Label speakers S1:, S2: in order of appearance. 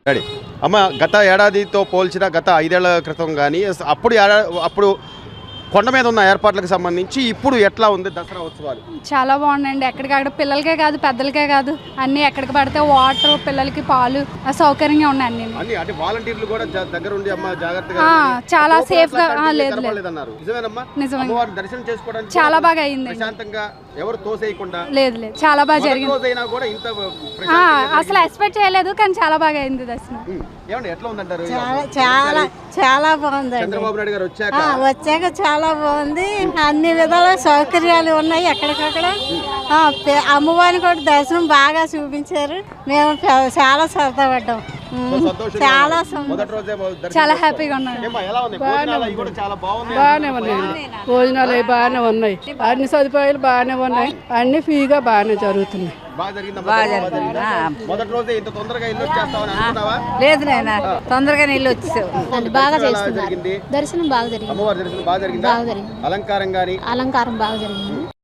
S1: Ready అమ్మ, గత ఏడాదితో పోల్చిన గత 5 ఏళ్ల క్రితం కానీ అప్పుడు కొండ మీద ఉన్న ఏర్పాట్లకు సంబంధించి ఇప్పుడు ఎట్లా ఉంది దసరా ఉత్సవాలు?
S2: చాలా బాగుందండి. ఎక్కడికక్కడ పిల్లలకే కాదు పెద్దలకే కాదు అన్నీ ఎక్కడికి పడితే వాటర్, పిల్లలకి పాలు సౌకర్యంగా ఉన్నాయి అన్ని.
S1: అంటే వాలంటీర్లు కూడా దగ్గర ఉండి అమ్మ జాగ్రత్తగా
S2: చాలా సేఫ్ గా లేదు
S1: నిజమే దర్శనం చేసుకోవడానికి
S2: చాలా బాగా అయింది.
S1: ప్రశాంతంగా ఎవరు తోసేయకుండా
S2: లేదు చాలా బాగా జరిగింది. అసలు ఎక్స్పెక్ట్ చేయలేదు కానీ చాలా బాగా అయింది దర్శనం.
S1: ఎట్లా ఉందంటారు?
S3: చాలా చాలా బాగుంది.
S1: చంద్రబాబు నాయుడు గారు
S3: వచ్చాక చాలా బాగుంది. అన్ని విధాల సౌకర్యాలు ఉన్నాయి. ఎక్కడికక్కడ అమ్మవారిని కూడా దర్శనం బాగా చూపించారు. మేము చాలా సరదా పడ్డాం.
S2: చాలా హ్యాపీగా ఉన్నాం.
S4: బాగానే ఉన్నాయి. భోజనాలు అవి బాగానే ఉన్నాయి. అన్ని సదుపాయాలు బాగానే ఉన్నాయి. అన్ని ఫ్రీగా బాగానే జరుగుతున్నాయి.
S3: లేదు నాయన, తొందరగా నీళ్ళు వచ్చేసావు.
S2: బాగా చేస్తున్నారు. దర్శనం బాగా జరిగింది.
S1: అలంకారం బాగా జరిగింది.